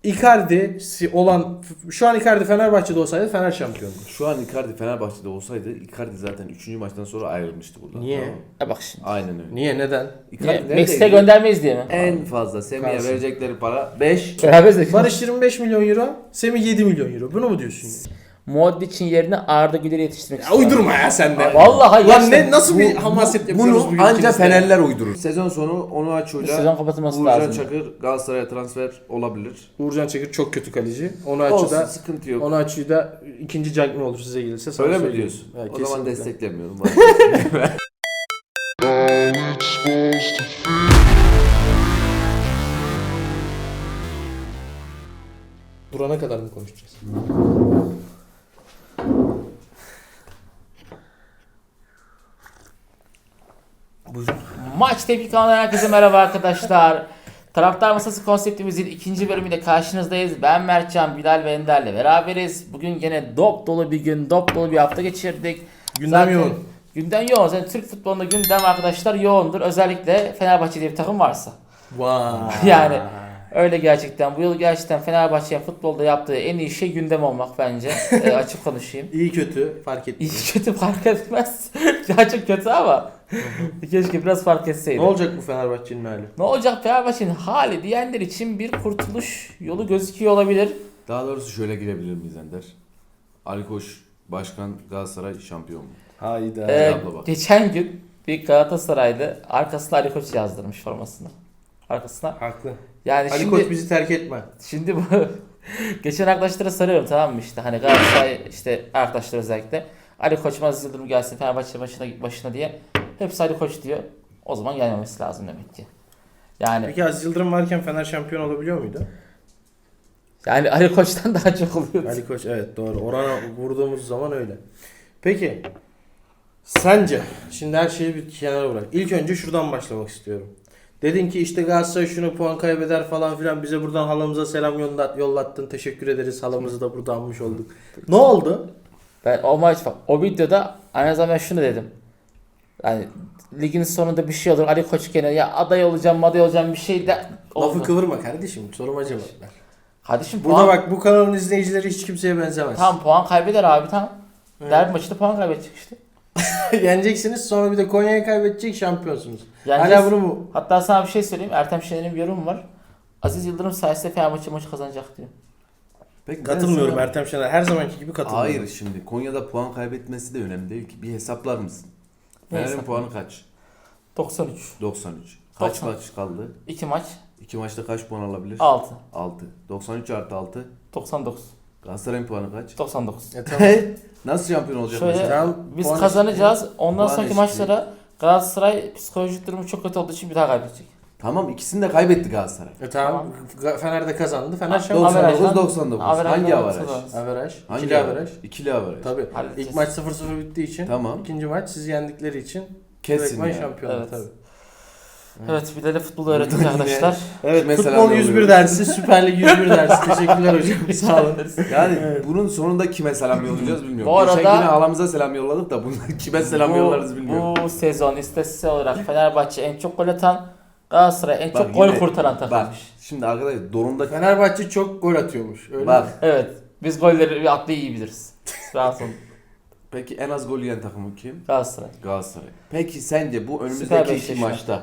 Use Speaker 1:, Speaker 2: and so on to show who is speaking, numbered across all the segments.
Speaker 1: Icardi olan şu an Icardi Fenerbahçe'de olsaydı Fener şampiyondu.
Speaker 2: Şu an Icardi Fenerbahçe'de olsaydı Icardi zaten 3. maçtan sonra ayrılmıştı buradan.
Speaker 1: Niye?
Speaker 2: Tamam mı?
Speaker 3: Bak şimdi.
Speaker 2: Aynen öyle.
Speaker 1: Niye? Neden?
Speaker 2: Icardi
Speaker 3: Niye?
Speaker 2: neredeydi?
Speaker 3: Meksika'ya göndermeyiz diye mi?
Speaker 2: En fazla Semih'e
Speaker 1: Kalsın.
Speaker 2: verecekleri para 5.
Speaker 3: Beraberiz de.
Speaker 1: Barış 25 milyon euro, Semih 7 milyon euro. Bunu mu diyorsun?
Speaker 3: Modric'in yerine Arda Güler'i yetiştirmek
Speaker 1: Ya
Speaker 3: istiyorum.
Speaker 1: uydurma ya sen de.
Speaker 3: Vallahi
Speaker 1: Lan
Speaker 3: gerçekten.
Speaker 1: ne nasıl bir hamaset yapıyoruz
Speaker 2: Bunu
Speaker 1: bugün
Speaker 2: ancak
Speaker 1: ikimiz de?
Speaker 2: Fenerler uydurur. Sezon sonu Onuachu'yla
Speaker 3: Sezon kapatılması
Speaker 2: Uğurcan
Speaker 3: lazım.
Speaker 2: Çakır Galatasaray'a transfer olabilir.
Speaker 1: Uğurcan Çakır çok kötü kaleci.
Speaker 2: Olsun, sıkıntı yok.
Speaker 1: Onu açıyı da ikinci Cagney olur size gelirse sana
Speaker 2: Öyle mi
Speaker 1: söyleyeyim.
Speaker 2: diyorsun?
Speaker 1: Evet,
Speaker 2: O zaman
Speaker 1: kesinlikle.
Speaker 2: desteklemiyorum.
Speaker 1: Durana kadar mı konuşacağız? Buyurun.
Speaker 3: Maç Tepki kanalından herkese merhaba arkadaşlar. Taraftar Masası konseptimizin ikinci bölümüyle karşınızdayız. Ben Mertcan, Bilal ve Ender'le beraberiz. Bugün gene dop dolu bir gün, dop dolu bir hafta geçirdik.
Speaker 1: Gündem yoğun.
Speaker 3: Gündem yoğun. Zaten Türk futbolunda gündem arkadaşlar yoğundur. Özellikle Fenerbahçe diye bir takım varsa.
Speaker 1: Vay.
Speaker 3: Yani öyle gerçekten. Bu yıl gerçekten Fenerbahçe'nin futbolda yaptığı en iyi şey gündem olmak bence. Açık konuşayım.
Speaker 1: İyi kötü fark etmiyor.
Speaker 3: İyi kötü fark etmez. Gerçek kötü ama keşke biraz fark etseydi.
Speaker 1: Ne olacak bu Fenerbahçe'nin hali?
Speaker 3: Ne olacak Fenerbahçe'nin hali diyenler için bir kurtuluş yolu gözüküyor olabilir.
Speaker 2: Daha doğrusu şöyle girebilir miyiz Ender? Ali Koç Başkan Galatasaray şampiyon mu?
Speaker 1: Hayda.
Speaker 2: abla bak.
Speaker 3: Geçen gün bir Galatasaray'da arkasına Ali Koç yazdırmış formasını. Arkasına.
Speaker 1: Haklı.
Speaker 3: Yani
Speaker 1: Ali
Speaker 3: şimdi
Speaker 1: Koç bizi terk etme.
Speaker 3: şimdi bu geçen arkadaşlara soruyorum tamam mı işte hani Galatasaray işte arkadaşlar özellikle Ali Koç Aziz Yıldırım gelsin Fenerbahçe başına diye hepsi Ali Koç diyor. O zaman gelmemesi lazım demek ki. Yani
Speaker 1: Peki Aziz Yıldırım varken Fener şampiyon olabiliyor muydu?
Speaker 3: yani Ali Koç'tan daha çok oluyor.
Speaker 1: Ali Koç evet doğru. Orana vurduğumuz zaman öyle. Peki sence şimdi her şeyi bir kenara bırak. İlk önce şuradan başlamak istiyorum. Dedin ki işte Galatasaray şunu puan kaybeder falan filan bize buradan halamıza selam yollattın. Teşekkür ederiz. Halamızı da burada almış olduk. Ne oldu?
Speaker 3: Ben o maç bak o videoda aynı zamanda şunu dedim. Yani ligin sonunda bir şey olur. Ali Koç gene ya aday olacağım bir şey de oldu.
Speaker 1: Lafı kıvırma kardeşim. Soruma cevap ver.
Speaker 3: Kardeşim
Speaker 1: Burada
Speaker 3: puan,
Speaker 1: bak bu kanalın izleyicileri hiç kimseye benzemez.
Speaker 3: tam puan kaybeder abi tam.
Speaker 1: Evet.
Speaker 3: Derbi maçında puan kaybedecek işte.
Speaker 1: Yeneceksiniz sonra bir de Konya'ya kaybedecek şampiyonsunuz.
Speaker 3: Yeneceğiz.
Speaker 1: Hala bunu mu?
Speaker 3: Hatta sana bir şey söyleyeyim. Ertem Şener'in bir yorumu var. Aziz Yıldırım sayesinde Fenerbahçe maçı kazanacak diyor.
Speaker 2: Peki ben
Speaker 1: Katılmıyorum
Speaker 2: sana-
Speaker 1: Ertem Şener. Her zamanki gibi katılmıyorum.
Speaker 2: Hayır şimdi Konya'da puan kaybetmesi de önemli değil ki. Bir hesaplar mısın?
Speaker 3: Ne
Speaker 2: Fener'in
Speaker 3: hesap?
Speaker 2: puanı kaç?
Speaker 3: 93.
Speaker 2: 93. Kaç
Speaker 3: 90.
Speaker 2: maç kaldı?
Speaker 3: 2 maç
Speaker 2: 2 maçta kaç puan alabilir?
Speaker 3: 6.
Speaker 2: 6. 93 artı 6.
Speaker 3: 99.
Speaker 2: Galatasaray'ın puanı kaç?
Speaker 3: 99.
Speaker 1: Tamam.
Speaker 2: Nasıl şampiyon olacak
Speaker 3: Şöyle
Speaker 2: mesela?
Speaker 1: Tamam,
Speaker 3: biz
Speaker 1: puan
Speaker 3: kazanacağız. Ondan
Speaker 2: Puan
Speaker 3: sonraki
Speaker 2: eşitliği.
Speaker 3: maçlara Galatasaray psikolojik durumu çok kötü olduğu için bir daha kaybedecek.
Speaker 2: Tamam ikisini de kaybetti Galatasaray.
Speaker 1: Tamam. Fener de kazandı. Fener
Speaker 3: Ha,
Speaker 1: şampiyon.
Speaker 3: Averajdan-
Speaker 2: 99-99.
Speaker 3: Averajdan
Speaker 2: Hangi avaraj?
Speaker 3: kazanırız.
Speaker 1: Averaj.
Speaker 2: Hangi
Speaker 1: İkili averaj.
Speaker 2: İkili avaraj.
Speaker 1: Tabii.
Speaker 3: Halledeceğiz.
Speaker 1: İlk maç 0-0 bittiği için.
Speaker 2: Tamam.
Speaker 1: İkinci maç sizi yendikleri için.
Speaker 2: Kesin
Speaker 1: Direktman
Speaker 2: yani.
Speaker 1: şampiyon
Speaker 3: Evet.
Speaker 1: tabii.
Speaker 3: Evet bir de futbolu öğrettik
Speaker 2: Yine-
Speaker 3: arkadaşlar.
Speaker 1: Evet
Speaker 2: Kime
Speaker 1: futbol
Speaker 2: selam
Speaker 1: 101
Speaker 2: yolluyoruz?
Speaker 1: dersi, Süper Lig 101 dersi. Teşekkürler hocam. Sağ olun.
Speaker 2: Yani bunun sonunda kime selam yollayacağız bilmiyorum.
Speaker 3: Bu arada-
Speaker 2: Geçen gün halamıza selam yolladık da bunu kime selam yollarız bilmiyorum.
Speaker 3: Bu sezon istatistiksel olarak Fenerbahçe en çok gol atan, Galatasaray en
Speaker 2: Bak
Speaker 3: çok gol
Speaker 2: yine-
Speaker 3: kurtaran
Speaker 2: Bak
Speaker 3: takımmış.
Speaker 2: şimdi arkadaşlar Dorum'da
Speaker 1: Fenerbahçe çok gol atıyormuş. Öyle
Speaker 2: bak
Speaker 1: mi?
Speaker 3: Evet. Biz golleri bir atlayı iyi biliriz. Rahat olun.
Speaker 2: peki en az gol yiyen takımı kim?
Speaker 3: Galatasaray.
Speaker 2: Galatasaray. Peki sence bu
Speaker 3: Süper
Speaker 2: önümüzdeki iki
Speaker 3: Beşiktaş.
Speaker 2: maçta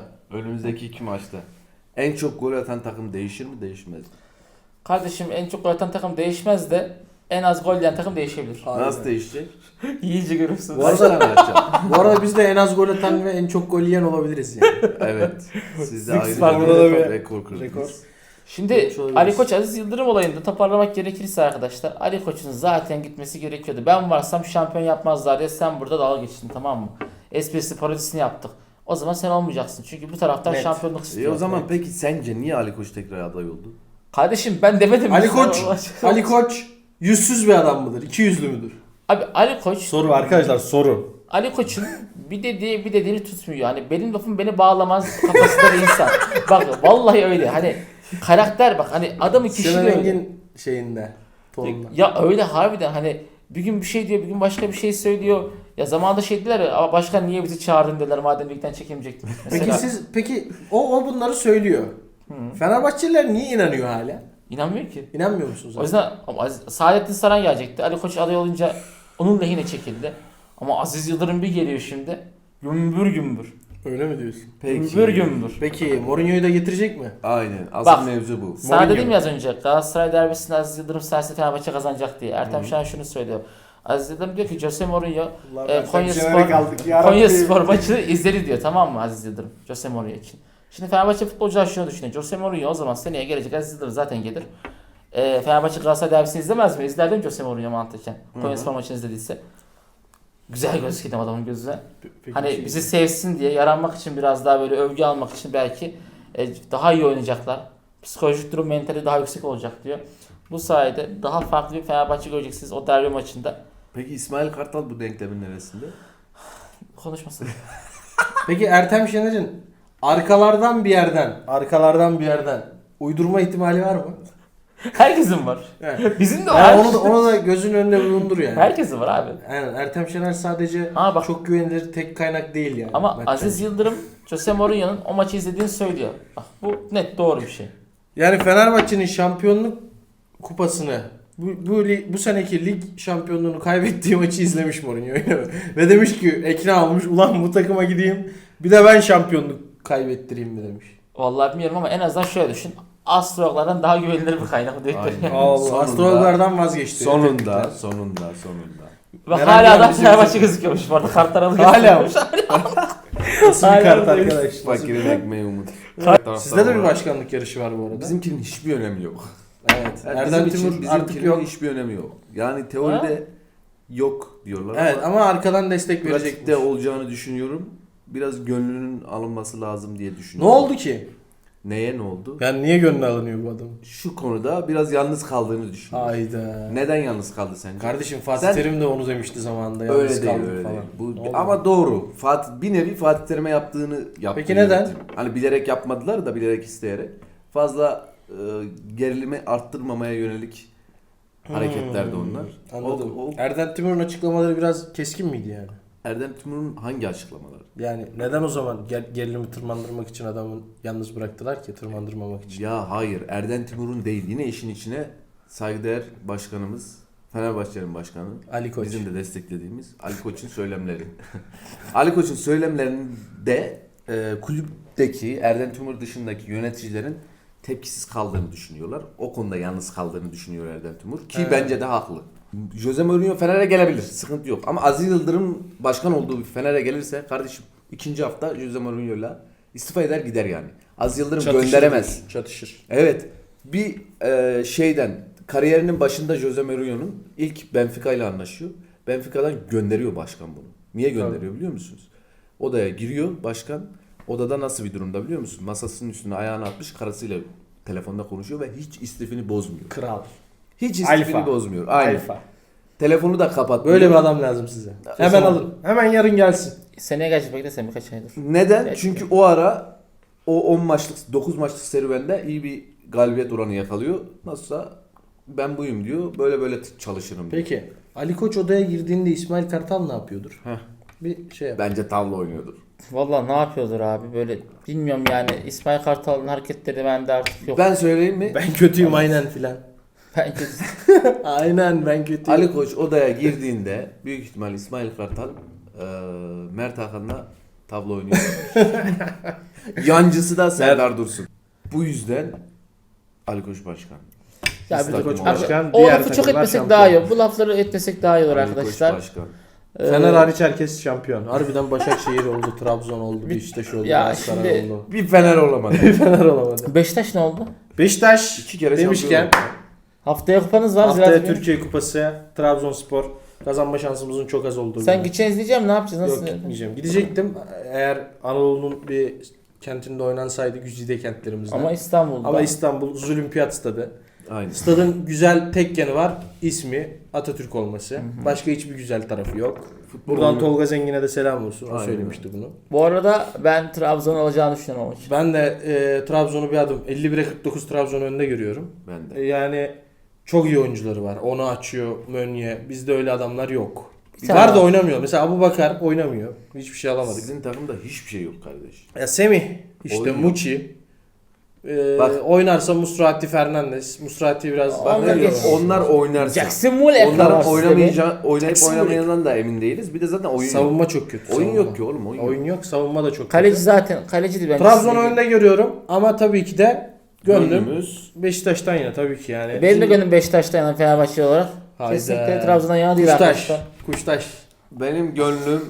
Speaker 2: en çok gol atan takım değişir mi değişmez mi?
Speaker 3: Kardeşim en çok gol atan takım değişmez de en az gol yiyen takım değişebilir.
Speaker 1: Aynen.
Speaker 2: Nasıl değişecek?
Speaker 3: İyice görürsünüz.
Speaker 1: Bu arada-
Speaker 2: Kaç tane atacak?
Speaker 1: Bu arada biz de en az gol atan ve en çok gol yiyen olabiliriz yani.
Speaker 2: Evet. Siz de
Speaker 1: Six
Speaker 2: ayrıca
Speaker 1: var,
Speaker 2: bir
Speaker 1: burada bir
Speaker 2: rekor kırdınız.
Speaker 1: rekor.
Speaker 3: Şimdi
Speaker 1: Olabiliriz.
Speaker 3: Ali Koç Aziz Yıldırım olayında toparlamak gerekirse arkadaşlar Ali Koç'un zaten gitmesi gerekiyordu. Ben varsam şampiyon yapmazlar diye sen burada dalga geçtin tamam mı? Esprisi parodisini yaptık. O zaman sen olmayacaksın. Çünkü bu taraftar
Speaker 1: Net.
Speaker 3: şampiyonluk istiyor.
Speaker 2: O zaman peki sence niye Ali Koç tekrar aday oldu?
Speaker 3: Kardeşim ben demedim. mi?
Speaker 1: Ali Koç, Ali Koç yüzsüz bir adam mıdır? İki yüzlü müdür?
Speaker 3: Abi Ali Koç
Speaker 1: Soru arkadaşlar soru.
Speaker 3: Ali Koç'un bir dediğini tutmuyor. Hani benim lafım beni bağlamaz kafasında bir insan. Bak vallahi öyle. Hani karakter bak hani adamı
Speaker 1: Sinan
Speaker 3: kişiliği öyle.
Speaker 1: Engin şeyinde. Tonunda.
Speaker 3: Ya öyle harbiden hani bir gün bir şey diyor, bir gün başka bir şey söylüyor. Ya zamanında şey dediler ya, "Aa, başkan niye bizi çağırdın?" dediler madem ligden çekemeyecektim.
Speaker 1: Peki o bunları söylüyor. Fenerbahçeliler niye inanıyor hala?
Speaker 3: İnanmıyor ki.
Speaker 1: İnanmıyor musun
Speaker 3: O
Speaker 1: zaten?
Speaker 3: yüzden ama Saadettin Saran gelecekti. Ali Koç aday olunca onun lehine çekildi. Ama Aziz Yıldırım bir geliyor şimdi. Gümbür gümbür.
Speaker 1: Öyle mi diyorsun?
Speaker 3: Gümbür gümbür.
Speaker 1: Peki Mourinho'yu da getirecek mi?
Speaker 2: Aynen. Asıl
Speaker 3: Bak,
Speaker 2: mevzu bu.
Speaker 3: Sana
Speaker 1: Mourinho.
Speaker 3: dedim ya az önce Galatasaray derbisinde Aziz Yıldırım sayesinde Fenerbahçe kazanacak diye. Ertem Şahin şunu söylüyor. Aziz Yıldırım diyor ki Jose Mourinho Konya Spor maçını izledi diyor, tamam mı Aziz Yıldırım Jose Mourinho için. Şimdi Fenerbahçe futbolcular şunu düşünüyor. Jose Mourinho o zaman seneye gelecek, Aziz Yıldırım zaten gelir. Fenerbahçe Galatasaray derbisini izlemez mi? İzler değil mi Jose Mourinho mantıken? Konya Spor maçını izlediyse. Güzel gözüküyor adamın gözüne.
Speaker 1: Peki,
Speaker 3: Hani bizi sevsin diye, yaranmak için, biraz daha böyle övgü almak için belki daha iyi oynayacaklar. Psikolojik durum, mentali daha yüksek olacak diyor. Bu sayede daha farklı bir Fenerbahçe göreceksiniz o derbi maçında.
Speaker 2: Peki İsmail Kartal bu denklemin neresinde?
Speaker 3: Konuşmasın.
Speaker 1: Peki Ertem Şener'in arkalardan bir yerden uydurma ihtimali var mı?
Speaker 3: Herkesin var.
Speaker 1: Evet.
Speaker 3: Bizim de
Speaker 1: Yani
Speaker 3: var.
Speaker 1: onu da gözün önünde bulundur yani.
Speaker 3: Herkesin var abi.
Speaker 1: Yani Ertem Şener sadece
Speaker 3: Ama bak,
Speaker 1: çok güvenilir tek kaynak değil yani.
Speaker 3: ama
Speaker 1: bence.
Speaker 3: Aziz Yıldırım Jose Mourinho'nun o maçı izlediğini söylüyor. Bak, bu net doğru bir şey.
Speaker 1: Yani Fenerbahçe'nin şampiyonluk kupasını bu seneki lig şampiyonluğunu kaybettiği maçı izlemiş Mourinho. Ve demiş ki ekran almış, ulan bu takıma gideyim bir de ben şampiyonluk kaybettireyim mi demiş.
Speaker 3: Vallahi bilmiyorum ama en azından şöyle düşün. Astrologlardan daha güvenilir bir kaynak diyor.
Speaker 2: Aynen.
Speaker 1: Allah,
Speaker 2: Sonunda-
Speaker 1: astrologlardan vazgeçti.
Speaker 2: Sonunda.
Speaker 3: Ve
Speaker 1: Merak
Speaker 3: hala da
Speaker 1: ediyorum.
Speaker 3: Fenerbahçe gözüküyormuş bu arada. Kartlar alıyor.
Speaker 1: Hala mı? Nasıl bir
Speaker 3: Hala
Speaker 1: kart
Speaker 3: böyle.
Speaker 1: arkadaş?
Speaker 2: Fakirin ekmeği umut.
Speaker 1: Sizde de bir başkanlık yarışı var bu arada.
Speaker 2: Bizimkinin hiçbir önemi yok.
Speaker 1: Evet.
Speaker 2: Yani
Speaker 1: Erdem
Speaker 2: bizim için
Speaker 1: Timur artık
Speaker 2: bizimkinin
Speaker 1: yok.
Speaker 2: hiçbir önemi yok. Yani teoride yok diyorlar
Speaker 1: Evet ama arkadan destek verecek.
Speaker 2: pratikte olacağını düşünüyorum. Biraz gönlünün alınması lazım diye
Speaker 1: Ne
Speaker 2: düşünüyorum.
Speaker 1: oldu ki?
Speaker 2: Neye ne oldu?
Speaker 1: Yani niye gönlü alınıyor bu adamın?
Speaker 2: Şu konuda biraz yalnız kaldığını düşünüyorum.
Speaker 1: Hayda.
Speaker 2: Neden yalnız kaldı sence?
Speaker 1: Kardeşim Fatih
Speaker 2: Sen-
Speaker 1: Terim de onu demişti zamanında. Yalnız
Speaker 2: Öyle değil,
Speaker 1: kaldık
Speaker 2: öyle
Speaker 1: falan.
Speaker 2: değil. Bu,
Speaker 1: Ne oldu?
Speaker 2: ama doğru. Bir nevi Fatih Terim'e yaptığını yaptı.
Speaker 1: Peki neden?
Speaker 2: yönetim. Hani bilerek yapmadılar da bilerek isteyerek. Fazla gerilimi arttırmamaya yönelik hareketlerdi onlar.
Speaker 1: Anladım.
Speaker 2: O
Speaker 1: Erdem Timur'un açıklamaları biraz keskin miydi yani?
Speaker 2: Erdem Timur'un hangi açıklamaları?
Speaker 1: Yani neden o zaman gerilimi tırmandırmak için adamı yalnız bıraktılar ki, tırmandırmamak için?
Speaker 2: Ya hayır, Erdem Timur'un değil. Yine işin içine saygıdeğer başkanımız, Fenerbahçe'nin başkanı,
Speaker 1: Ali Koç.
Speaker 2: bizim de desteklediğimiz Ali Koç'un söylemleri. Ali Koç'un söylemlerinde kulüpteki Erdem Timur dışındaki yöneticilerin tepkisiz kaldığını düşünüyorlar. O konuda yalnız kaldığını düşünüyor Erdem Timur ki
Speaker 1: Evet.
Speaker 2: bence de haklı. Jose Mourinho Fener'e gelebilir. Sıkıntı yok. Ama Aziz Yıldırım başkan olduğu bir Fener'e gelirse kardeşim ikinci hafta Jose Mourinho'yla istifa eder gider yani. Aziz Yıldırım
Speaker 1: Çatışır
Speaker 2: gönderemez.
Speaker 1: diyorsun, çatışır.
Speaker 2: Evet. Bir kariyerinin başında Jose Mourinho'nun ilk Benfica ile anlaşıyor. Benfica'dan gönderiyor başkan bunu. Niye gönderiyor biliyor musunuz? Odaya giriyor başkan. Odada nasıl bir durumda biliyor musun? Masasının üstüne ayağını atmış, karısıyla telefonda konuşuyor ve hiç istifini bozmuyor.
Speaker 1: Kral.
Speaker 2: Hiç istifini
Speaker 1: Alfa.
Speaker 2: bozmuyor. Aynen.
Speaker 1: Alfa.
Speaker 2: Telefonu da kapatmıyor.
Speaker 1: Böyle bir adam lazım size. Hemen
Speaker 2: zaman-
Speaker 1: alın. Hemen yarın gelsin.
Speaker 3: Seneye gelecek, beklesem birkaç aydır.
Speaker 2: Neden?
Speaker 3: Evet.
Speaker 2: Çünkü o ara o 10 maçlık 9 maçlık serüvende iyi bir galibiyet oranı yakalıyor. Nasılsa ben buyum diyor. Böyle böyle çalışırım diyor.
Speaker 1: Peki Ali Koç odaya girdiğinde İsmail Kartal ne yapıyordur?
Speaker 2: Heh.
Speaker 1: Bir şey yap.
Speaker 2: Bence tavla oynuyordur.
Speaker 3: Vallahi ne yapıyordur abi, böyle bilmiyorum yani. İsmail Kartal'ın hareketleri bende artık yok.
Speaker 2: Ben söyleyeyim mi?
Speaker 1: Ben kötüyüm aynen filan.
Speaker 3: Bence
Speaker 1: Aynen ben kötüyüm.
Speaker 2: Ali Koç odaya girdiğinde büyük ihtimal İsmail Kartal Mert Hakan'la tavla oynuyor. Yancısı da Serdar Dursun. Bu yüzden Ali Koç başkan.
Speaker 3: ya
Speaker 2: Biz
Speaker 3: bir
Speaker 2: takım
Speaker 1: Koç
Speaker 2: olarak.
Speaker 1: başkan,
Speaker 3: o
Speaker 1: diğer
Speaker 3: lafı çok
Speaker 1: takımlar
Speaker 3: etmesek
Speaker 1: şampiyon.
Speaker 3: daha iyi olur. Bu lafları etmesek daha iyi olur
Speaker 2: Ali Koç
Speaker 3: arkadaşlar.
Speaker 2: başkan.
Speaker 1: Fener hariç herkes şampiyon. Harbiden Başakşehir oldu, Trabzon oldu, Beşiktaş oldu,
Speaker 3: Ya
Speaker 1: Galatasaray
Speaker 3: şimdi-
Speaker 1: oldu.
Speaker 2: Bir Fener olamadı.
Speaker 1: Fener olamadı.
Speaker 3: Beşiktaş ne oldu?
Speaker 1: Beşiktaş
Speaker 2: 2 kere
Speaker 1: demişken
Speaker 2: şampiyon oldu.
Speaker 3: Haftaya kupanız var.
Speaker 1: haftaya
Speaker 3: Ziraat Bey.
Speaker 1: Türkiye Kupası, Trabzonspor kazanma şansımızın çok az olduğu.
Speaker 3: Sen
Speaker 1: gün.
Speaker 3: gideceğiz diyeceğim, ne yapacağız? Nasıl?
Speaker 1: Yok gitmeyeceğim. Gidecektim. Eğer Anadolu'nun bir kentinde oynansaydı güzide kentlerimizden.
Speaker 3: Ama İstanbul'da.
Speaker 1: Ama İstanbul Zülümpiyat Stadı.
Speaker 2: Aynen.
Speaker 1: Stadın güzel tek yanı var. İsmi Atatürk olması. Başka hiçbir güzel tarafı yok. Buradan Tolga Zengin'e de selam olsun. O
Speaker 2: Aynen.
Speaker 1: söylemişti bunu.
Speaker 3: Bu arada ben Trabzon alacağını düşünüyorum o maçı.
Speaker 1: Ben de Trabzon'u bir adım 51'e 49 Trabzon önünde görüyorum.
Speaker 2: Ben de.
Speaker 1: Yani çok iyi oyuncuları var. Onu açıyor Mönye. Bizde öyle adamlar yok.
Speaker 3: Bir tane
Speaker 1: Var da
Speaker 3: var.
Speaker 1: oynamıyor. Mesela Abubakar oynamıyor. Hiçbir şey alamadık.
Speaker 2: Sizin takımda hiçbir şey yok kardeş.
Speaker 1: Ya Semih, işte
Speaker 2: Oynuyor.
Speaker 1: Muçi.
Speaker 2: Bak.
Speaker 1: Oynarsa Musrati Fernandes. Musrati biraz
Speaker 3: Onlar
Speaker 1: bakıyor.
Speaker 3: geç.
Speaker 2: Onlar oynarsa.
Speaker 3: Jackson Muller
Speaker 2: Onların
Speaker 3: kadar
Speaker 2: oynayıp
Speaker 1: Jackson
Speaker 2: oynamayacağından da emin değiliz. Bir de zaten oyun
Speaker 1: Savunma
Speaker 2: yok.
Speaker 1: çok kötü.
Speaker 2: Oyun
Speaker 1: savunma.
Speaker 2: yok ki oğlum.
Speaker 1: Oyun yok. Savunma da çok
Speaker 3: Kaleci
Speaker 1: kötü.
Speaker 3: zaten kalecidir bence.
Speaker 1: Trabzon'u önde görüyorum ama tabii ki de gönlüm
Speaker 2: Gönlümüz.
Speaker 1: Beşiktaş'tan yana tabii ki yani.
Speaker 3: Benim de gönlüm Beşiktaş'ta yanan Fenerbahçe olarak.
Speaker 1: Hayda.
Speaker 3: Kesinlikle Trabzon'dan yana değil
Speaker 1: Kuştaş.
Speaker 3: arkadaşlar.
Speaker 1: Kuştaş.
Speaker 2: Benim gönlüm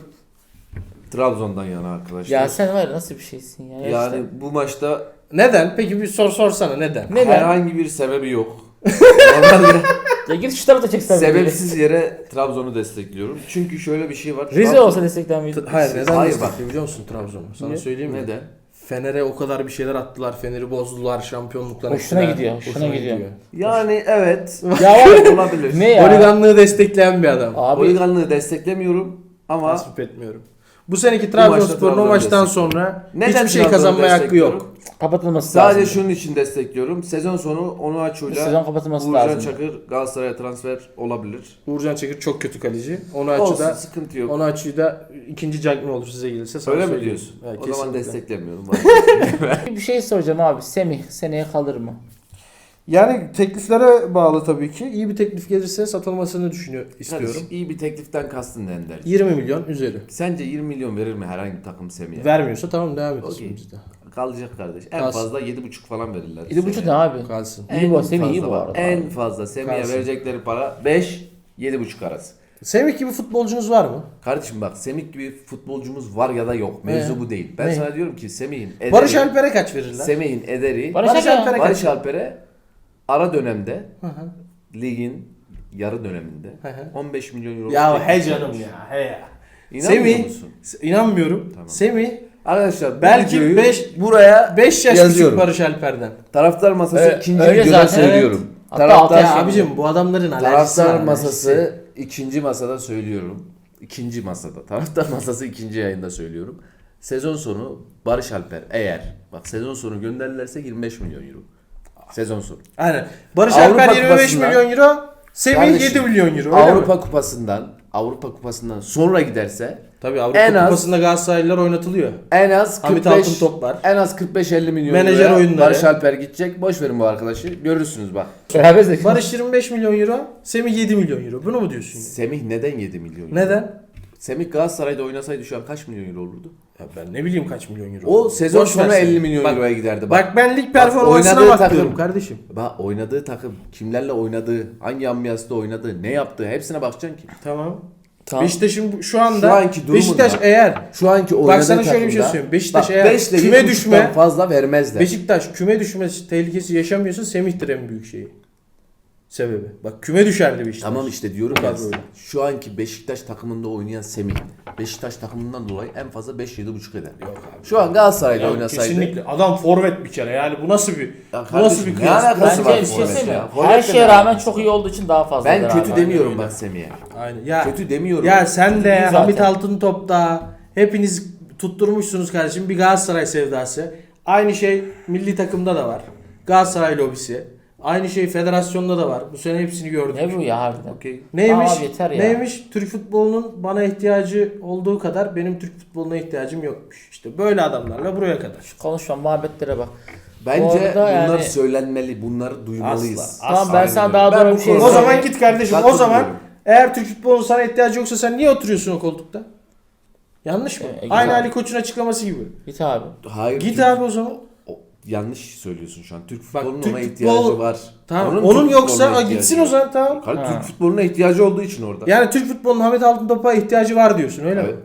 Speaker 2: Trabzon'dan yana arkadaşlar.
Speaker 3: Ya sen var ya nasıl bir şeysin ya.
Speaker 2: yani
Speaker 3: Gerçekten.
Speaker 2: bu maçta
Speaker 1: Neden? Peki bir sorsana neden?
Speaker 3: Neden?
Speaker 2: herhangi bir sebebi yok. Normalde
Speaker 3: Ya git şu tarafa da çeksen.
Speaker 2: sebepsiz yere Trabzon'u destekliyorum. Çünkü şöyle bir şey var.
Speaker 3: Rize olsa destekler miydi?
Speaker 1: Hayır neden
Speaker 2: Hayır,
Speaker 1: destekliyor biliyor musun Trabzon'u? Sana
Speaker 3: Niye?
Speaker 1: söyleyeyim mi?
Speaker 2: Neden?
Speaker 1: Fener'e o kadar bir şeyler attılar. Fener'i bozdular. Şampiyonluklar
Speaker 3: Hoşuna
Speaker 1: ettiler.
Speaker 3: gidiyor, hoşuna gidiyor.
Speaker 2: Yani evet.
Speaker 3: Ya var
Speaker 2: olabilir.
Speaker 3: ne ya?
Speaker 1: Holiganlığı destekleyen bir adam.
Speaker 3: Abi
Speaker 2: Holiganlığı desteklemiyorum ama
Speaker 1: Tasvip etmiyorum. Bu seneki
Speaker 2: maçta
Speaker 1: Trabzonspor'un o
Speaker 2: Trabzon'u
Speaker 1: maçtan
Speaker 2: destekliyorum.
Speaker 1: sonra
Speaker 2: Neden
Speaker 1: hiçbir şey
Speaker 2: Trabzon'u
Speaker 1: kazanmaya hakkı
Speaker 2: destekliyorum?
Speaker 1: yok.
Speaker 3: kapatılması
Speaker 2: sadece
Speaker 3: lazım.
Speaker 2: şunun için destekliyorum. Sezon sonu
Speaker 3: Bu
Speaker 2: Onuachu'yla
Speaker 3: sezon kapatılması
Speaker 2: Uğurcan
Speaker 3: lazım.
Speaker 2: Çakır Galatasaray'a transfer olabilir.
Speaker 1: Uğurcan Çakır çok kötü kaleci. Onu
Speaker 2: Olsun,
Speaker 1: açıda
Speaker 2: sıkıntı yok.
Speaker 1: onu açıda ikinci Cagney olur size gelirse sana
Speaker 2: Öyle mi
Speaker 1: söyleyeyim.
Speaker 2: diyorsun?
Speaker 1: Evet,
Speaker 2: O zaman
Speaker 1: kesinlikle.
Speaker 2: desteklemiyorum.
Speaker 3: Bir şey soracağım abi. Semih seneye kalır mı?
Speaker 1: Yani tekliflere bağlı tabii ki. İyi bir teklif gelirse satılmasını istiyorum.
Speaker 2: Kardeşim, iyi bir tekliften kastın ne Ender?
Speaker 1: 20 milyon üzeri.
Speaker 2: Sence 20 milyon verir mi herhangi bir takım Semih'e?
Speaker 1: Vermiyorsa tamam devam edelim
Speaker 2: Okey.
Speaker 1: biz de.
Speaker 2: Kalacak kardeş. En
Speaker 1: Kalsın.
Speaker 2: fazla 7,5 falan verirler.
Speaker 3: 7,5
Speaker 2: Semih'e.
Speaker 3: ne abi?
Speaker 1: Kalsın.
Speaker 3: İyi bu, Semih iyi bu
Speaker 2: fazla
Speaker 3: arada.
Speaker 2: En fazla Semih'e
Speaker 1: Kalsın.
Speaker 2: verecekleri para 5 7,5 arası.
Speaker 1: Semih gibi futbolcunuz var mı?
Speaker 2: Kardeşim bak Semih gibi futbolcumuz var ya da yok. Mevzu
Speaker 1: Ne?
Speaker 2: bu değil. Ben
Speaker 1: Ne?
Speaker 2: sana diyorum ki Semih'in ederi,
Speaker 1: Barış Alper'e kaç verirler?
Speaker 2: Semih'in ederi
Speaker 3: Barış
Speaker 1: Barış
Speaker 3: Alper-
Speaker 1: Alper'e
Speaker 2: Barış
Speaker 1: kaç?
Speaker 2: Alper'e ara dönemde
Speaker 1: Hı hı.
Speaker 2: ligin yarı döneminde
Speaker 1: Hı hı.
Speaker 2: 15 milyon euro.
Speaker 1: Ya he canım ya he ya.
Speaker 2: İnanmıyor
Speaker 1: Semih,
Speaker 2: musun?
Speaker 1: İnanmıyorum.
Speaker 2: Tamam.
Speaker 1: Semih
Speaker 2: Arkadaşlar bu
Speaker 1: belki
Speaker 2: videoyu
Speaker 1: 5
Speaker 2: buraya
Speaker 1: 5 yaş
Speaker 2: yazıyorum.
Speaker 1: küçük Barış Alper'den.
Speaker 2: Taraftar masası
Speaker 3: Öyle-
Speaker 2: ikinci
Speaker 3: öyle
Speaker 2: videoda
Speaker 3: zaten,
Speaker 2: söylüyorum.
Speaker 3: Hatta
Speaker 2: Taraftar,
Speaker 3: altı
Speaker 1: Ya
Speaker 3: yaş-
Speaker 1: abicim bu adamların alerjisi var.
Speaker 2: taraftar masası ikinci masada söylüyorum. İkinci masada. Taraftar masası ikinci yayında söylüyorum. Sezon sonu Barış Alper eğer bak sezon sonu gönderirlerse 25 milyon euro. Sezon sonu.
Speaker 1: Aynen. Barış
Speaker 2: Avrupa
Speaker 1: Alper 25
Speaker 2: Kupası'ndan-
Speaker 1: milyon euro. Semih
Speaker 2: Kardeşim,
Speaker 1: 7 milyon euro. Öyle
Speaker 2: Avrupa
Speaker 1: mi?
Speaker 2: Kupası'ndan sonra giderse
Speaker 1: Tabii Avrupa
Speaker 2: en az-
Speaker 1: Kupası'nda Galatasaraylılar oynatılıyor.
Speaker 2: en az
Speaker 1: Hamit
Speaker 2: 45
Speaker 1: Altıntop var.
Speaker 2: en az 45-50 milyon
Speaker 1: Menajer
Speaker 2: euroya
Speaker 1: oyunları.
Speaker 2: Barış Alper gidecek. Boş verin bu arkadaşı. Görürsünüz bak.
Speaker 3: Beraber zeki.
Speaker 1: Barış 25 milyon euro. Semih 7 milyon euro. Bunu mu diyorsun? ya?
Speaker 2: Semih neden 7 milyon euro?
Speaker 1: Neden?
Speaker 2: Semih Galatasaray'da oynasaydı şu an kaç milyon euro olurdu?
Speaker 1: Ya ben ne bileyim kaç milyon euro.
Speaker 2: O sezon
Speaker 1: Boş
Speaker 2: sonu
Speaker 1: ver sen.
Speaker 2: 50 milyon
Speaker 1: Bak-
Speaker 2: euroya giderdi.
Speaker 1: Bak ben lig performansına
Speaker 2: oynadığı
Speaker 1: bakıyorum
Speaker 2: takım.
Speaker 1: kardeşim.
Speaker 2: Bak oynadığı takım, kimlerle oynadığı, hangi ambiyansta oynadığı, ne yaptığı hepsine bakacaksın ki.
Speaker 1: Tamam.
Speaker 2: Tamam.
Speaker 1: Beşiktaş'ın şu anda
Speaker 2: Şu anki durumunda-
Speaker 1: Beşiktaş eğer
Speaker 2: Şu anki oynadığı
Speaker 1: sana şöyle bir şey
Speaker 2: takımda-
Speaker 1: söyleyeyim. Beşiktaş
Speaker 2: bak,
Speaker 1: eğer
Speaker 2: 5 ile
Speaker 1: küme
Speaker 2: 7,5'tan
Speaker 1: düşme-
Speaker 2: fazla vermezler.
Speaker 1: Beşiktaş küme düşme tehlikesi yaşamıyorsa Semih'tir en büyük şeyi. Sebebi. Bak küme düşerdi Beşiktaş.
Speaker 2: Tamam işte diyorum
Speaker 1: Bu
Speaker 2: ya
Speaker 1: kadar öyle.
Speaker 2: şu anki Beşiktaş takımında oynayan Semih Beşiktaş takımından dolayı en fazla 5-7,5 eder.
Speaker 1: Yok abi.
Speaker 2: Şu an Galatasaray'da
Speaker 1: Ya
Speaker 2: oynasaydı.
Speaker 1: kesinlikle adam forvet bir kere yani bu nasıl bir
Speaker 2: Ya
Speaker 1: bu nasıl bir
Speaker 2: kardeşim, ne
Speaker 1: kıyas?
Speaker 2: alakası var
Speaker 3: Bence bir şey
Speaker 2: forvetle
Speaker 3: söyleyeyim
Speaker 2: ya?
Speaker 3: mi?
Speaker 2: Forvetle
Speaker 3: Her şeye
Speaker 2: ne
Speaker 3: rağmen
Speaker 2: alakası
Speaker 3: çok
Speaker 2: var?
Speaker 3: iyi olduğu için daha fazla.
Speaker 2: Ben kötü
Speaker 3: abi.
Speaker 2: demiyorum
Speaker 1: öyle.
Speaker 2: bak Semih'e.
Speaker 1: Aynen. Ya
Speaker 2: Kötü demiyorum.
Speaker 1: ya sen de
Speaker 3: Kötü değil
Speaker 1: Hamit
Speaker 3: zaten.
Speaker 1: Altıntop'ta hepiniz tutturmuşsunuz kardeşim bir Galatasaray sevdası. Aynı şey milli takımda da var. Galatasaray lobisi. Aynı şey federasyonda da var. Bu sene hepsini gördük.
Speaker 3: Ne bu ya harbiden?
Speaker 2: Okey.
Speaker 1: Neymiş?
Speaker 3: Abi yeter ya.
Speaker 1: Neymiş? Türk futbolunun bana ihtiyacı olduğu kadar benim Türk futboluna ihtiyacım yokmuş. İşte böyle adamlarla buraya kadar.
Speaker 3: Şu konuşma muhabbetlere bak. Bu
Speaker 2: Bence
Speaker 3: arada
Speaker 2: bunlar
Speaker 3: yani-
Speaker 2: söylenmeli. Bunları duymalıyız.
Speaker 1: Asla.
Speaker 3: Tamam ben
Speaker 2: Aynen
Speaker 3: sana
Speaker 2: öyle.
Speaker 3: daha
Speaker 2: Ben
Speaker 3: doğru
Speaker 2: bu
Speaker 3: bir şey
Speaker 2: konuda-
Speaker 1: O
Speaker 3: söyleyeyim.
Speaker 1: zaman git kardeşim. O
Speaker 2: Katılıyorum.
Speaker 1: zaman eğer Türk futbolunun sana ihtiyacı yoksa sen niye oturuyorsun o koltukta? Yanlış mı?
Speaker 3: Güzel.
Speaker 1: Aynı Ali Koç'un açıklaması gibi.
Speaker 3: Git abi.
Speaker 2: Hayır.
Speaker 1: Git
Speaker 2: Türk-
Speaker 1: abi o zaman.
Speaker 2: yanlış söylüyorsun şu an. Türk
Speaker 1: Bak,
Speaker 2: futbolunun
Speaker 1: Türk
Speaker 2: ona
Speaker 1: futbol-
Speaker 2: ihtiyacı var.
Speaker 1: Tamam.
Speaker 2: Türk
Speaker 1: Onun yoksa
Speaker 2: futboluna
Speaker 1: o
Speaker 2: ihtiyacı
Speaker 1: gitsin
Speaker 2: var.
Speaker 1: o zaman tamam.
Speaker 2: Kardeşim,
Speaker 3: Ha.
Speaker 2: Türk futboluna ihtiyacı olduğu için orada.
Speaker 1: Yani Türk futbolunun Hamit Altıntop'a ihtiyacı var diyorsun öyle
Speaker 2: Evet.
Speaker 1: mi?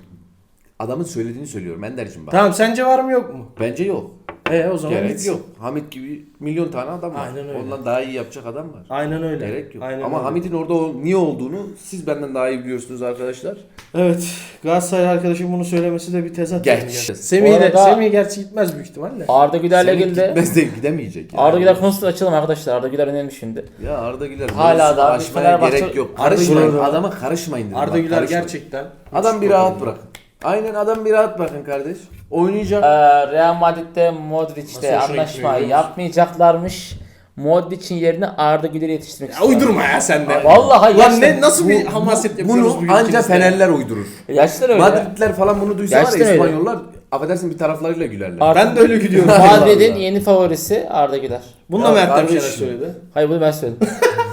Speaker 2: Adamın söylediğini söylüyorum Ender'cim bak.
Speaker 1: Tamam sence var mı yok mu?
Speaker 2: Bence yok.
Speaker 1: O zaman
Speaker 2: Gerek
Speaker 1: gitsin.
Speaker 2: yok. Hamit gibi milyon tane adam var.
Speaker 1: Aynen öyle.
Speaker 2: Ondan daha iyi yapacak adam var.
Speaker 1: Aynen öyle.
Speaker 2: Gerek yok.
Speaker 1: Aynen
Speaker 2: Ama
Speaker 1: öyle.
Speaker 2: Hamit'in orada niye olduğunu siz benden daha iyi biliyorsunuz arkadaşlar.
Speaker 1: Evet. Galatasaray arkadaşım bunu söylemesi de bir tezat.
Speaker 2: Geç.
Speaker 1: yani.
Speaker 3: Bu
Speaker 1: Semih
Speaker 3: arada-
Speaker 1: gerçi gitmez büyük ihtimalle.
Speaker 3: Arda Güler'le
Speaker 2: Semih
Speaker 3: ilgili de
Speaker 2: gitmez de gidemeyecek. yani.
Speaker 3: Arda Güler konusunu açalım arkadaşlar. Arda Güler önemli şimdi.
Speaker 2: Ya Arda Güler
Speaker 3: Hala
Speaker 2: mevzusunu
Speaker 3: da
Speaker 2: aşmaya
Speaker 3: Fenerbahçe-
Speaker 2: gerek yok.
Speaker 1: Arda
Speaker 2: Karışmayın.
Speaker 1: Güler-
Speaker 2: Adama karışmayın dedim.
Speaker 1: Arda
Speaker 2: bak,
Speaker 1: Güler
Speaker 2: karışmayın.
Speaker 1: gerçekten.
Speaker 2: Adam bir rahat bırakın. Aynen adam bir rahat bırakın kardeş. Oynayacak.
Speaker 3: Real Madrid'de Modric'le
Speaker 1: Nasıl hoşuna
Speaker 3: anlaşma
Speaker 1: gitmiyor, biliyor musun?
Speaker 3: yapmayacaklarmış. Modric'in yerine Arda Güler'i yetiştirmek
Speaker 1: Ya
Speaker 3: istiyorlar.
Speaker 1: uydurma ya sen de.
Speaker 3: Vallahi
Speaker 1: Lan
Speaker 3: gerçekten.
Speaker 1: ne nasıl bir hamaset yapıyoruz
Speaker 2: Bunu
Speaker 1: bugün
Speaker 2: anca
Speaker 1: ikimiz de?
Speaker 2: Fenerler uydurur.
Speaker 3: Yaşlar öyle.
Speaker 2: Madridler falan bunu duysa var
Speaker 3: Gerçekten
Speaker 2: ya
Speaker 3: öyle.
Speaker 2: İspanyollar affedersin bir taraflarıyla gülerler.
Speaker 1: Ben de öyle gidiyorum.
Speaker 3: Madrid'in
Speaker 2: Allah.
Speaker 3: yeni favorisi Arda Güler.
Speaker 1: Bunu da
Speaker 2: Ya
Speaker 1: Mert
Speaker 2: kardeşim.
Speaker 1: Demirşener söyledi.
Speaker 3: Hayır bunu ben söyledim.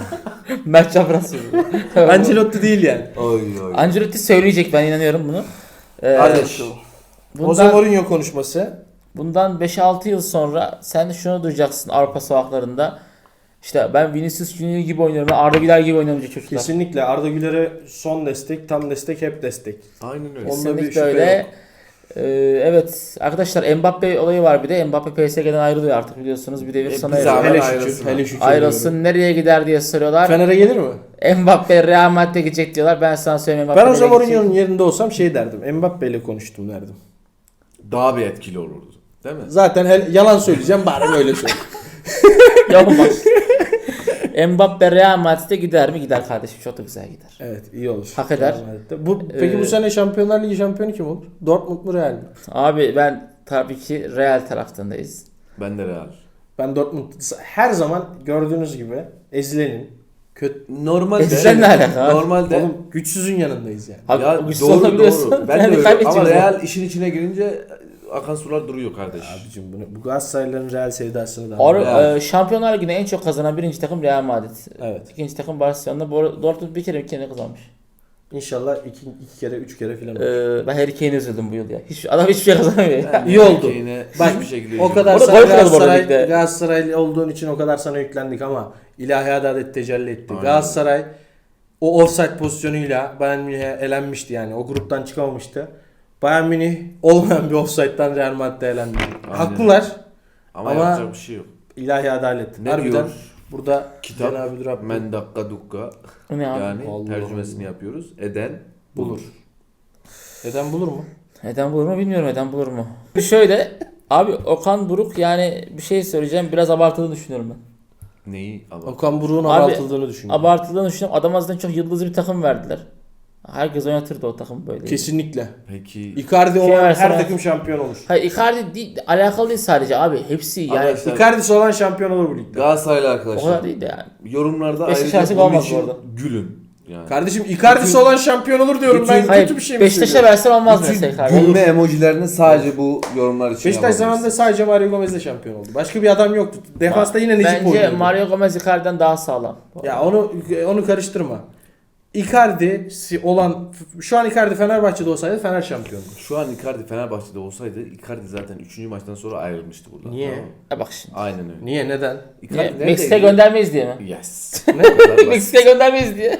Speaker 3: Mert Çapraz söyledi.
Speaker 1: Ancelotti değil yani.
Speaker 2: Oy oy.
Speaker 3: Ancelotti söyleyecek, ben inanıyorum bunu.
Speaker 2: Kardeş.
Speaker 1: Jose
Speaker 3: Bundan,
Speaker 1: Mourinho konuşması.
Speaker 3: bundan 5-6 yıl sonra sen şunu duyacaksın Avrupa sokaklarında. İşte ben Vinicius Junior gibi oynuyorum, ben Arda Güler gibi oynuyorum diye çocuklar.
Speaker 1: Kesinlikle Arda Güler'e son destek, tam destek, hep destek.
Speaker 2: Aynen öyle.
Speaker 1: Onda bir
Speaker 3: Kesinlikle
Speaker 1: şüphe
Speaker 3: öyle.
Speaker 1: yok.
Speaker 3: Evet arkadaşlar, Mbappe olayı var bir de. Mbappe PSG'den ayrılıyor artık biliyorsunuz. Bir devir sona
Speaker 2: biz
Speaker 3: eriyor.
Speaker 2: abi-
Speaker 1: Hele
Speaker 2: ayrılsın
Speaker 1: şükür,
Speaker 2: abi.
Speaker 1: hele şükür.
Speaker 3: Ayrılsın, nereye gider diye soruyorlar.
Speaker 1: Fener'e gelir mi?
Speaker 3: Mbappe Real Madrid'e gidecek diyorlar. Ben sana söyleyeyim, Mbappe
Speaker 1: Ben o
Speaker 3: nereye
Speaker 1: zaman
Speaker 3: gidecek?
Speaker 1: Mourinho'nun yerinde olsam şey derdim. Mbappe ile konuştum derdim.
Speaker 2: Daha bir etkili olurdu. Değil mi?
Speaker 1: Zaten yalan söyleyeceğim bari böyle söyle.
Speaker 3: Yapamaz. Mbappe Real Madrid'e gider mi? Gider kardeşim. Çok da güzel gider.
Speaker 1: Evet, iyi olur.
Speaker 3: Hak eder.
Speaker 1: Real Madrid'de. Peki bu sene Şampiyonlar Ligi şampiyonu kim olur? Dortmund mu Real mi?
Speaker 3: Abi ben tabii ki Real tarafındayız.
Speaker 2: Ben de Real.
Speaker 1: Ben Dortmund her zaman gördüğünüz gibi ezilenin. Kötü.
Speaker 2: Normalde
Speaker 3: Sen ne alaka?
Speaker 2: Normalde
Speaker 1: Oğlum güçsüzün yanındayız yani.
Speaker 3: Abi,
Speaker 2: ya
Speaker 3: güçsüz
Speaker 2: doğru
Speaker 3: olabiliyorsun.
Speaker 2: doğru. Ben
Speaker 3: Yani
Speaker 2: de öyle.
Speaker 3: kaybedeceğiz
Speaker 2: Ama
Speaker 3: yani.
Speaker 2: Real işin içine girince akan sular duruyor kardeş.
Speaker 1: Abicim bu Galatasaraylıların Real sevdasını da
Speaker 3: Or, Şampiyonlar Ligi'ne en çok kazanan birinci takım Real Madrid.
Speaker 1: Evet.
Speaker 3: İkinci takım Barcelona. Bu arada Dortmund bir kere kazanmış.
Speaker 1: İnşallah iki kere, üç kere filan olur.
Speaker 3: Ben Harry Kane'e üzüldüm bu yıl ya. Adam hiçbir şey kazanamıyor ya.
Speaker 2: Yani
Speaker 1: İyi oldu.
Speaker 2: Yine
Speaker 1: Bak,
Speaker 2: hiçbir şekilde
Speaker 1: O kadar
Speaker 3: Orada
Speaker 1: sana
Speaker 3: gol kralı bu arada ligde.
Speaker 1: Galatasaraylı olduğun için o kadar sana yüklendik ama ilahi adalet tecelli etti.
Speaker 2: Aynen.
Speaker 1: Galatasaray o offside pozisyonuyla Bayern Münih'e elenmişti yani. O gruptan çıkamamıştı. Bayern Münih olmayan bir offside'dan Real Madrid'e elendi.
Speaker 2: Aynen.
Speaker 1: Haklılar.
Speaker 2: ama
Speaker 1: ama-
Speaker 2: yapacak bir şey yok.
Speaker 1: İlahi adalet.
Speaker 2: Ne
Speaker 1: Harbiden
Speaker 2: diyor?
Speaker 1: burada
Speaker 2: Kitap
Speaker 1: Cenab-ı Rabbim
Speaker 2: men dakika dukka
Speaker 3: O ne abi?
Speaker 2: yani
Speaker 1: Allah
Speaker 2: tercümesini
Speaker 1: Allah.
Speaker 2: yapıyoruz. Eden
Speaker 1: bulur. Eden bulur mu?
Speaker 3: Neden bulur mu bilmiyorum, neden bulur mu? Şöyle abi, Okan Buruk, yani bir şey söyleyeceğim, biraz abartıldığını düşünüyorum ben.
Speaker 2: Neyi ama
Speaker 1: Okan Buruk'un
Speaker 3: Abi,
Speaker 1: abartıldığını düşünüyorum.
Speaker 3: Abartıldığını düşünüyorum. Adam aslında çok yıldızlı bir takım verdiler. Herkes oynatırdı o takım böyle.
Speaker 1: Kesinlikle.
Speaker 2: peki
Speaker 1: Icardi
Speaker 3: Kim
Speaker 1: olan
Speaker 3: verse
Speaker 1: her
Speaker 3: ben-
Speaker 1: takım şampiyon olur.
Speaker 3: Hayır, Icardi değil, alakalı değil sadece abi. Hepsi yani
Speaker 2: Arkadaşlar,
Speaker 1: Icardi'si olan şampiyon olur bu ligde.
Speaker 2: Galatasaraylı
Speaker 3: o
Speaker 2: arkadaşlar
Speaker 3: kadar değil de yani.
Speaker 2: yorumlarda
Speaker 3: Beşiktaş
Speaker 2: ayrıca
Speaker 3: olmaz
Speaker 2: bunun
Speaker 3: bu
Speaker 2: için
Speaker 3: arada.
Speaker 2: gülün. Yani.
Speaker 1: Kardeşim Icardi'si
Speaker 2: Bütün-
Speaker 1: olan şampiyon olur diyorum ben.
Speaker 3: Hayır,
Speaker 1: Kötü bir şey mi
Speaker 3: Beşiktaş'a
Speaker 1: söylüyorum?
Speaker 3: versen olmaz
Speaker 2: Bütün
Speaker 3: mesela Icardi.
Speaker 2: gülme emojilerini sadece bu yorumlar için
Speaker 1: Beşiktaş
Speaker 2: yapabiliriz.
Speaker 1: zamanında sadece Mario Gomez'le şampiyon oldu. Başka bir adam yoktu. Defansta yine Necip
Speaker 3: Bence
Speaker 1: oynuyordu.
Speaker 3: Mario Gomez Icardi'den daha sağlam.
Speaker 1: Ya onu karıştırma. Icardi'si olan şu an Icardi Fenerbahçe'de olsaydı Fener şampiyondu.
Speaker 2: Şu an Icardi Fenerbahçe'de olsaydı Icardi zaten 3. maçtan sonra ayrılmıştı buradan.
Speaker 1: Niye?
Speaker 2: Tamam mı?
Speaker 3: Bak şimdi.
Speaker 2: Aynen öyle.
Speaker 1: Niye? Neden?
Speaker 2: Icardi
Speaker 3: Niye?
Speaker 2: neredeydi?
Speaker 3: Meksika'ya göndermeyiz diye mi?
Speaker 2: Yes.
Speaker 1: Ne?
Speaker 2: O kadar basit.
Speaker 3: Meksika'ya göndermeyiz diye.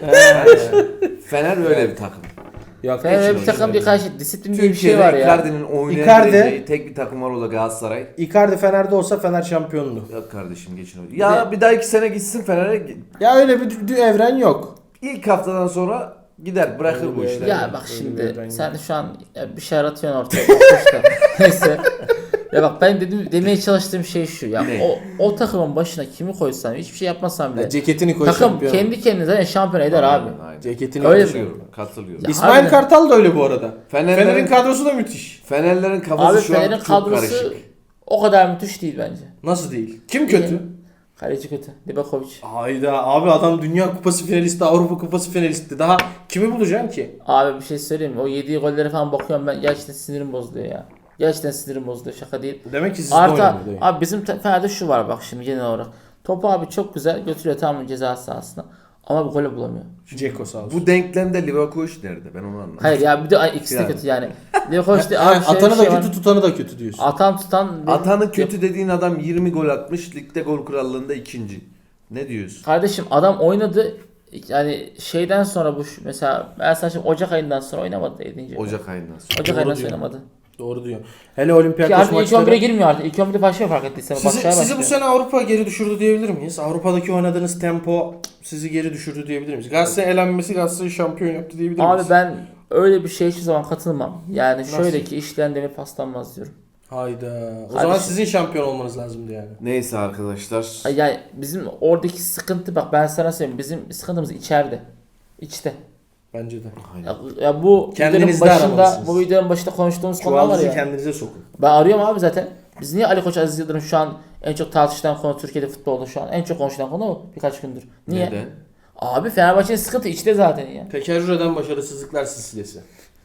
Speaker 2: Fener öyle bir takım.
Speaker 1: Yok,
Speaker 3: Fener
Speaker 1: hiç
Speaker 3: bir takım
Speaker 1: öyle.
Speaker 3: bir karşı disiplin diye bir şey
Speaker 2: Türkiye'de
Speaker 3: var ya.
Speaker 2: Icardi'nin oynayabileceği
Speaker 1: Icardi-
Speaker 2: tek bir takım var, o da Galatasaray.
Speaker 1: Icardi Fener'de olsa Fener şampiyonluğu.
Speaker 2: Ya kardeşim geçin öyle. Ya bir daha 2 sene gitsin Fener'e.
Speaker 1: Ya öyle bir evren yok.
Speaker 2: İlk haftadan sonra gider bırakır
Speaker 1: Öyle
Speaker 2: bu
Speaker 1: bir
Speaker 2: işleri.
Speaker 3: Ya
Speaker 1: Öyle
Speaker 3: bak
Speaker 1: bir
Speaker 3: şimdi
Speaker 1: evren
Speaker 3: sen şu an bir şey aratıyorsun ortaya. Boş da. Neyse. Ya bak ben demeye çalıştığım şey şu ya.
Speaker 2: Ne?
Speaker 3: O takımın başına kimi koysan, hiçbir şey yapmasan bile.
Speaker 1: Ya ceketini koy
Speaker 3: Takım
Speaker 1: şampiyon.
Speaker 3: kendi kendine zaten şampiyon eder abi.
Speaker 2: Aynen.
Speaker 1: Ceketini
Speaker 3: Öyle
Speaker 1: koy
Speaker 3: mi?
Speaker 1: şampiyon.
Speaker 2: Katılıyorum.
Speaker 3: Ya-
Speaker 1: İsmail
Speaker 3: harbiden.
Speaker 1: Kartal da öyle bu arada.
Speaker 2: Fenerlerin,
Speaker 1: Fener'in kadrosu da müthiş.
Speaker 2: Fenerlerin kafası
Speaker 3: Abi
Speaker 2: şu an
Speaker 3: Fener'in
Speaker 2: çok
Speaker 3: kadrosu
Speaker 2: karışık.
Speaker 3: o kadar müthiş değil bence.
Speaker 1: Nasıl değil? Kim kötü?
Speaker 3: Kaleci kötü. Livakovic.
Speaker 1: Hayda abi adam Dünya Kupası finalisti, Avrupa Kupası finalisti. Daha kimi bulacaksın ki?
Speaker 3: Abi bir şey söyleyeyim mi? O yediği golleri falan bakıyorum ben, gerçekten sinirim bozuluyor ya. Gerçekten sinirim bozuluyor, şaka değil.
Speaker 1: Demek ki sizde
Speaker 3: Arta
Speaker 1: oynamıyor değil.
Speaker 3: abi bizim Fener'de şu var bak şimdi genel olarak. Topu abi çok güzel götürüyor tamam ceza sahasına. Ama bu golü bulamıyor.
Speaker 1: Ceko sağ olsun.
Speaker 2: Bu denklemde Livakovic nerede? Ben onu anlamadım.
Speaker 3: Hayır ya bir de ikisi de
Speaker 2: Yani.
Speaker 3: kötü yani. Livakovic de
Speaker 1: Ha,
Speaker 3: abi şöyle
Speaker 1: atanı
Speaker 3: bir şey
Speaker 1: da
Speaker 3: var.
Speaker 1: kötü, tutanı da kötü diyorsun.
Speaker 3: Atan tutan.
Speaker 2: Atanı kötü dediğin adam 20 gol atmış. Ligde gol krallığında ikinci. Ne diyorsun?
Speaker 3: Kardeşim adam oynadı. Yani şeyden sonra bu mesela ben sana şimdi Ocak ayından sonra oynamadı 7.
Speaker 2: Ocak ayından sonra.
Speaker 3: Ocak
Speaker 1: Doğru
Speaker 3: ayından sonra
Speaker 1: diyor.
Speaker 3: oynamadı.
Speaker 1: Doğru diyor. Hele
Speaker 3: Ki
Speaker 1: Olimpiyakos
Speaker 3: artık ilk 11'e
Speaker 1: maçları.
Speaker 3: girmiyor artık. İlk 11'de başlıyor fark ettiysen.
Speaker 1: Sizi bu sene Avrupa geri düşürdü diyebilir miyiz? Avrupa'daki oynadığınız tempo sizi geri düşürdü diyebilir miyiz? Galatasaray elenmesi Galatasaray'ı şampiyon yaptı diyebilir miyiz?
Speaker 3: Abi ben öyle bir şeye hiçbir zaman katılmam. Yani
Speaker 1: Nasıl?
Speaker 3: şöyle ki işleyen demir paslanmaz diyorum.
Speaker 1: Hayda. O
Speaker 3: Kardeşim.
Speaker 1: zaman sizin şampiyon olmanız lazımdı yani.
Speaker 2: Neyse arkadaşlar.
Speaker 3: Ay yani bizim oradaki sıkıntı bak ben sana söyleyeyim. Bizim sıkıntımız içeride. İçte.
Speaker 1: Bence de.
Speaker 3: Ya bu
Speaker 1: Kendinizde
Speaker 3: videonun başında
Speaker 1: aramalısınız.
Speaker 3: bu videonun başında konuştuğumuz konular var
Speaker 1: Çuvaldızı
Speaker 3: ya.
Speaker 1: kendinize sokun.
Speaker 3: Ben arıyorum abi zaten. Biz niye Ali Koç Aziz Yıldırım şu an en çok tartışılan konu Türkiye'de futbolda şu an en çok konuşulan konu o birkaç gündür. Niye?
Speaker 2: Neden?
Speaker 3: Abi Fenerbahçe'nin sıkıntı içte zaten ya.
Speaker 1: Tekerrür eden başarısızlıklar silsilesi.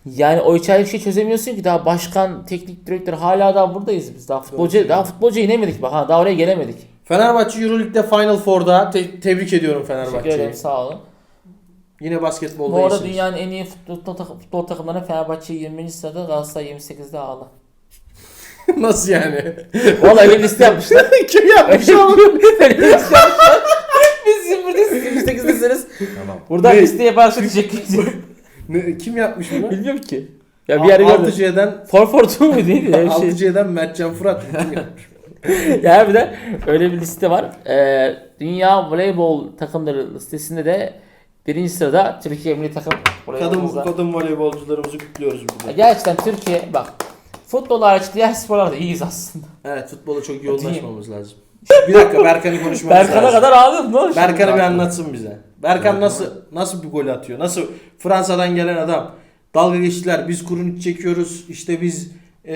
Speaker 3: Yani o içeride bir şey çözemiyorsun ki, daha başkan, teknik direktör hala daha buradayız biz. Daha futbolcuya inemedik bak ha, daha oraya gelemedik.
Speaker 1: Fenerbahçe Euroleague'de Final Four'da tebrik ediyorum
Speaker 3: Teşekkür ederim,
Speaker 1: Fenerbahçe'yi.
Speaker 3: sağ olun.
Speaker 1: Yine basketbolda
Speaker 3: Bu arada
Speaker 1: iyisiniz.
Speaker 3: dünyanın en iyi futbol takımlarına Fenerbahçe 20. sırada, Galatasaray 28'de ağla.
Speaker 1: Nasıl yani?
Speaker 3: Vallahi öyle bir liste yapmışlar.
Speaker 1: Kim yapmış oğlum?
Speaker 3: Öyle bir liste yapmışlar. Biz buradayız, 28'desiniz.
Speaker 2: Tamam.
Speaker 3: Buradan
Speaker 1: Ne?
Speaker 3: listeye başka teşekkür ediyorum.
Speaker 1: Kim yapmış bunu?
Speaker 3: Bilmiyorum ki. Ya bir yerde gördüm.
Speaker 1: 6C'den
Speaker 3: Forfortu mu değil mi? Öyle bir şey.
Speaker 1: 6C'den Mertcan Fırat kim yapmış?
Speaker 3: Ya bir de öyle bir liste var. Dünya voleybol takımları listesinde de birinci sırada Türkiye milli takım voleybolumuz var.
Speaker 1: Kadın voleybolcularımızı kutluyoruz burada.
Speaker 3: Gerçekten Türkiye bak, futbol hariç diğer sporlarda iyiyiz aslında.
Speaker 1: Evet, futbola çok yoğunlaşmamız lazım. Bir dakika, Berkan'ı konuşmamız
Speaker 3: Berkan'a
Speaker 1: lazım.
Speaker 3: kadar ağlıyordun ne olmuş?
Speaker 1: Berkan'ı bir anlatsın bize. Berkan nasıl bir gol atıyor? Nasıl Fransa'dan gelen adam? Dalga geçtiler. Biz Kurunic çekiyoruz. İşte biz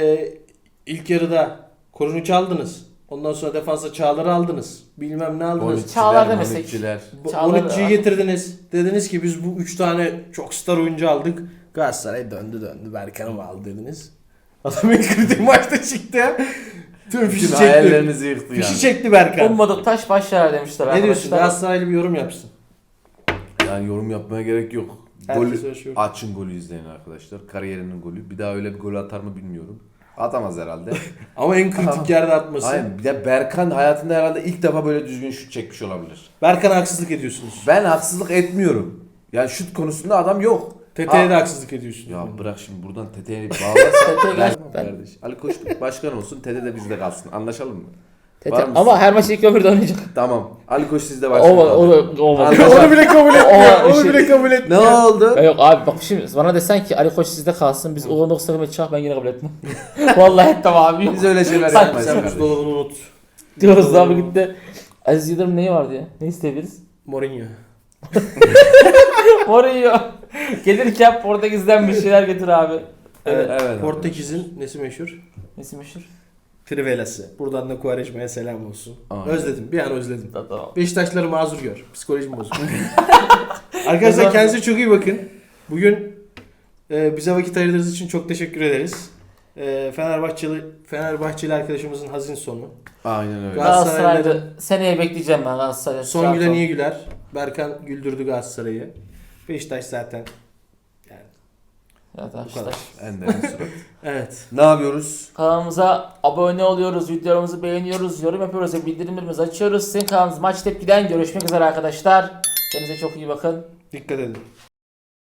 Speaker 1: ilk yarıda Kurunic aldınız. Ondan sonra defansa Çağlar'ı aldınız. Bilmem ne aldınız.
Speaker 3: Çağlar demesek.
Speaker 2: Monikçiler.
Speaker 3: Çağlar-
Speaker 1: 13'cüyü getirdiniz. Dediniz ki biz bu 3 tane çok star oyuncu aldık. Galatasaray döndü. Berkan'ı mı aldı dediniz. Adam ilk kritik maçta çıktı ya. Tüm fişi
Speaker 2: Bütün
Speaker 1: çekti.
Speaker 2: hayallerinizi yıktı yani.
Speaker 1: Fişi çekti Berkan.
Speaker 3: Ummadık taş baş yarar demişler
Speaker 1: Ne diyorsun?
Speaker 3: arkadaşlar.
Speaker 1: Galatasaraylı bir yorum yapsın.
Speaker 2: Yani yorum yapmaya gerek yok.
Speaker 1: Herkes
Speaker 2: Golü,
Speaker 1: yaşıyor.
Speaker 2: açın golü izleyin arkadaşlar. Kariyerinin golü. Bir daha öyle bir gol atar mı bilmiyorum. Atamaz herhalde.
Speaker 1: Ama en kritik yerde atması.
Speaker 2: Aynen. Bir de Berkan hayatında herhalde ilk defa böyle düzgün şut çekmiş olabilir.
Speaker 1: Berkan'a haksızlık ediyorsunuz.
Speaker 2: Ben haksızlık etmiyorum. Yani şut konusunda adam yok.
Speaker 1: Tete'ye
Speaker 2: Ha.
Speaker 1: de haksızlık ediyorsunuz.
Speaker 2: Ya bırak şimdi buradan Tete'ye bağlarsan
Speaker 3: Tete-
Speaker 2: ben kardeş. Ali Koç başkan olsun, Tete de bizde kalsın. Anlaşalım mı?
Speaker 3: Tete-
Speaker 2: Var mısın?
Speaker 3: ama her maç ilk ömürde oynayacak.
Speaker 2: Tamam. Ali Koç sizde başkan.
Speaker 3: Olmadı.
Speaker 2: olsun.
Speaker 3: Olmadı.
Speaker 2: Anlaşalım.
Speaker 1: Onu bile kabul etmiyor.
Speaker 3: O
Speaker 1: Onu
Speaker 3: şey-
Speaker 1: bile kabul
Speaker 2: Ne
Speaker 1: etmiyor.
Speaker 2: oldu?
Speaker 3: Ya yok abi bak, şimdi bana desen ki Ali Koç sizde kalsın, biz Uğur Noksa Hükümet Çağ, ben yine kabul etmem. Vallahi etmem abi.
Speaker 2: Biz öyle şeyler
Speaker 3: Sen-
Speaker 2: yapmayız
Speaker 1: Sen
Speaker 2: kardeş.
Speaker 1: buzdolabını unut.
Speaker 3: Diyoruz abi gitti. Aziz Yıldırım neyi vardı ya? Ne isteyebiliriz?
Speaker 1: Mourinho.
Speaker 3: Mourinho. Gelirken Portekiz'den bir şeyler getir abi.
Speaker 1: Evet.
Speaker 2: Evet.
Speaker 1: Portekiz'in nesi meşhur?
Speaker 3: Nesi meşhur?
Speaker 1: Trivelası. Buradan da Quaresma'ya selam olsun.
Speaker 2: Aynen.
Speaker 1: Özledim. Bir an özledim.
Speaker 3: Tamam.
Speaker 1: Beşiktaşları mazur gör. Psikolojim bozuk. Arkadaşlar kendinize çok iyi bakın. Bugün bize vakit ayırdığınız için çok teşekkür ederiz. Fenerbahçeli arkadaşımızın hazin sonu.
Speaker 2: Aynen öyle.
Speaker 1: Galatasaray'da
Speaker 3: Seneye bekleyeceğim ben Galatasaray'da.
Speaker 1: son gülen iyi güler. Berkan güldürdü Galatasaray'ı. Beşiktaş zaten.
Speaker 3: Evet
Speaker 1: Bu
Speaker 3: arkadaşlar.
Speaker 1: kadar.
Speaker 2: Ender'in suratı.
Speaker 1: Evet.
Speaker 2: Ne yapıyoruz?
Speaker 3: Kanalımıza abone oluyoruz, videolarımızı beğeniyoruz, yorum yapıyoruz ve bildirimlerimizi açıyoruz. Sizin kanalınız Maç Tepki'den görüşmek üzere arkadaşlar. Kendinize çok iyi bakın.
Speaker 1: Dikkat edin.